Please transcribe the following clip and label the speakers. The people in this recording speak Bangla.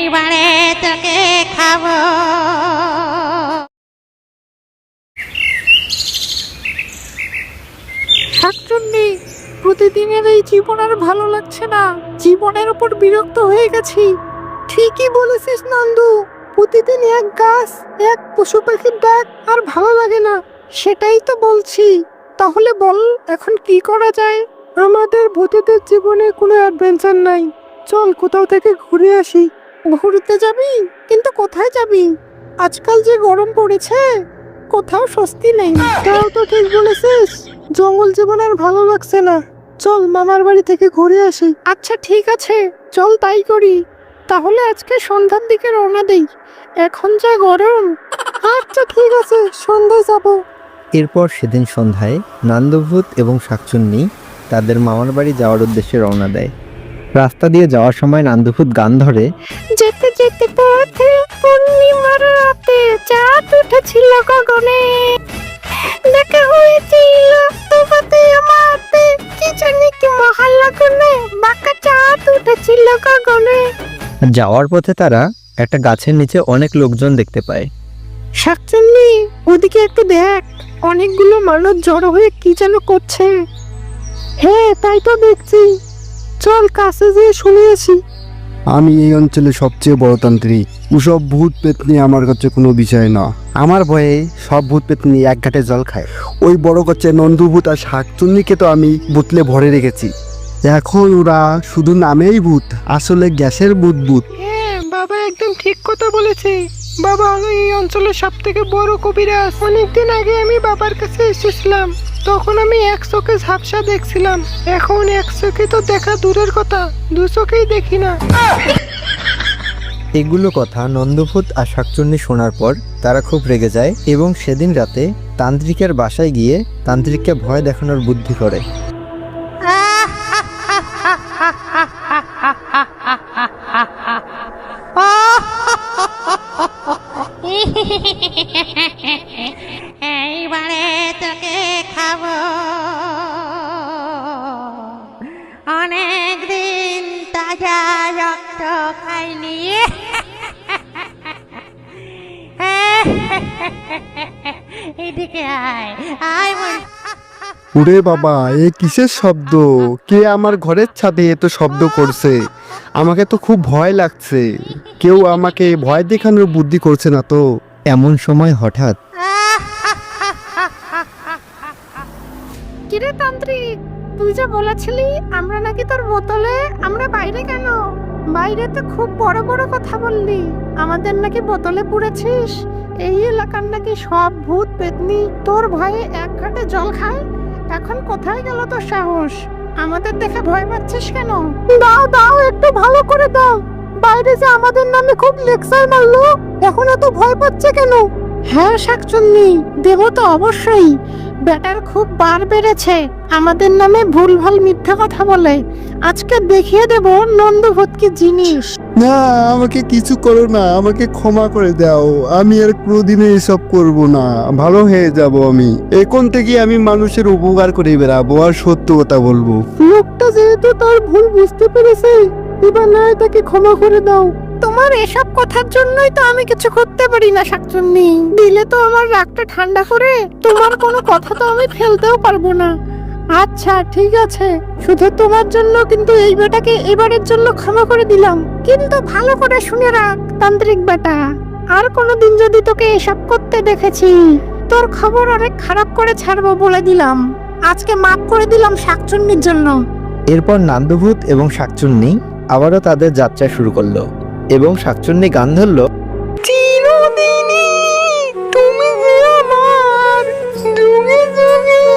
Speaker 1: এইবারে তোকে খাবো।
Speaker 2: শাকচুন্নি, প্রতিদিনের এই জীবন আর ভালো লাগছে না। জীবনের উপর বিরক্ত হয়ে গেছি। ঠিকই বলেছিস নন্দু, প্রতিদিন এক গাছ এক পশু পাখির ডাক আর ভালো লাগে না। সেটাই তো বলছি। তাহলে বল এখন কি করা যায়? আমাদের ভূতেদের জীবনে কোনো অ্যাডভেঞ্চার নাই। চল কোথাও থেকে ঘুরে আসি। ঘুরতে যাবি? কিন্তু কোথায় যাবি? আজকাল যে গরম পড়েছে, কোথাও স্বস্তি নেই। তাও তো ঠিক বলেছিস, জঙ্গল জীবন আর ভালো লাগছে না। চল মামার বাড়ি থেকে ঘুরে আসি। আচ্ছা ঠিক আছে, চল তাই করি। তাহলে আজকে সন্ধ্যার দিকে রওনা দেই। এখন যা গরম। আচ্ছা ঠিক আছে, সন্ধ্যায় যাব।
Speaker 3: এরপর সেদিন সন্ধ্যায় নান্দভূত এবং শাকচুন্নি তাদের মামার বাড়ি যাওয়ার উদ্দেশ্যে রওনা দেয়। রাস্তা দিয়ে যাওয়ার সময় নান্দভূত গান ধরে,
Speaker 2: যেতে যেতে পথে পূর্ণিমার রাতে চাঁদ উঠেছিল গগনে, দেখা হয়েছিল তোমাতে আমাতে, কি জানি কি মহল্লা কোণে বাঁকা চাঁদ উঠেছিল গগনে।
Speaker 3: যাওয়ার পথে তারা একটা গাছের নিচে অনেক লোকজন দেখতে পায়।
Speaker 2: শাকচুন্নি, ওদিকে একটু দেখ, অনেকগুলো মানুষ জড়ো হয়ে কি যেন করছে। হ্যাঁ তাই তো দেখছি, চল কাছে যেয়ে শুনে আসি।
Speaker 4: আমি এই অঞ্চলে সবচেয়ে বড় তান্ত্রিক। ওসব ভূত পেতনি আমার কাছে কোনো বিষয় না। আমার ভয়ে সব ভূত পেতনি এক ঘাটে জল খায়। ওই বড় গাছে নন্দুভূত আর শাকচুন্নিকে তো আমি বোতলে ভরে রেখেছি। এখন ওরা শুধু নামেই ভূত, আসলে গ্যাসের ভূত ভূত।
Speaker 2: হ্যাঁ বাবা একদম ঠিক কথা বলেছে। বাবা হলো এই অঞ্চলের সব থেকে বড় কবিরাজ। অনেকদিন আগে আমি বাবার কাছে এসেছিলাম, তখন আমি এক চোখে ঝাপসা দেখছিলাম। এখন এক চোখে তো দেখা দূরের কথা, দু চোখেই দেখি না।
Speaker 3: এগুলো কথা নন্দভূত আর শাকচুন্নি শোনার পর তারা খুব রেগে যায় এবং সেদিন রাতে তান্ত্রিকের বাসায় গিয়ে তান্ত্রিককে ভয় দেখানোর বুদ্ধি করে।
Speaker 1: এইবারে তোকে খাবো। অনেকদিন তাজা রক্ত খাইনি। এদিকে আয় আয় মন।
Speaker 4: ওরে বাবা, এ কিসের শব্দ? কে আমার ঘরের ছাদে এত শব্দ করছে? আমাকে তো খুব ভয় লাগছে। কেউ আমাকে ভয় দেখানোর বুদ্ধি করছে না তো?
Speaker 3: এমন সময় হঠাৎ
Speaker 2: কিরে তান্ত্রিক, তুই যে বলেছিলি আমরা নাকি তোর বোতলে, আমরা বাইরে কেন? বাইরে তো খুব বড় বড় কথা বললি, আমাদের নাকি বোতলে পুড়েছিস। এই এলাকার নাকি সব ভূত পেতনি তোর ভয়ে এক ঘাটে জল খায়। এখন কোথায় গেল তোর সাহস? আমাদের দেখে ভয় পাচ্ছিস কেন? দাও দাও, একটু ভালো করে দাও। বাইরে যে আমাদের নামে খুব লেকচার মারলো, এখন এত ভয় পাচ্ছে কেন? হ্যাঁ শাকচুন্নি, দেব তো অবশ্যই। ব্যাটার খুব বার বেড়েছে, আমাদের নামে ভুলভাল মিথ্যা কথা বলে। আজকে দেখিয়ে দেব নন্দভূত কি জিনিস।
Speaker 4: না, আমাকে কিছু করো না, আমাকে ক্ষমা করে দাও। আমি আর কোনোদিনও এসব করব না, ভালো হয়ে যাব আমি। এখন থেকে আমি মানুষের উপকার করে বেড়াবো আর সত্য কথা বলবো।
Speaker 2: লোকটা যেহেতু তার ভুল বুঝতে পেরেছে, এবার না তাকে ক্ষমা করে দাও। তোমার এসব কথার জন্যই তো আমি কিছু করতে পারি না শাকচুন্নি। দিলে তো আমার রাগটা ঠান্ডা করে, তোমার কোনো কথা তো আমি ফেলতেও পারবো না। আচ্ছা ঠিক আছে, শুধু তোমার জন্য, কিন্তু এই বেটাকে এবারের জন্য ক্ষমা করে দিলাম। কিন্তু ভালো করে শুনে রাখ তান্ত্রিক বেটা, আর কোনোদিন যদি তোকে এসব করতে দেখেছি, তোর খবর অনেক খারাপ করে ছাড়বো বলে দিলাম। আজকে মাফ করে দিলাম শাকচুন্নির জন্য।
Speaker 3: এরপর নান্দভূত এবং শাকচুন্নি আবারও তাদের যাত্রা শুরু করলো এবং শাকচুন্নি গান ধরলো,
Speaker 2: চিরদিনই তুমি যে আমার, যুগে যুগে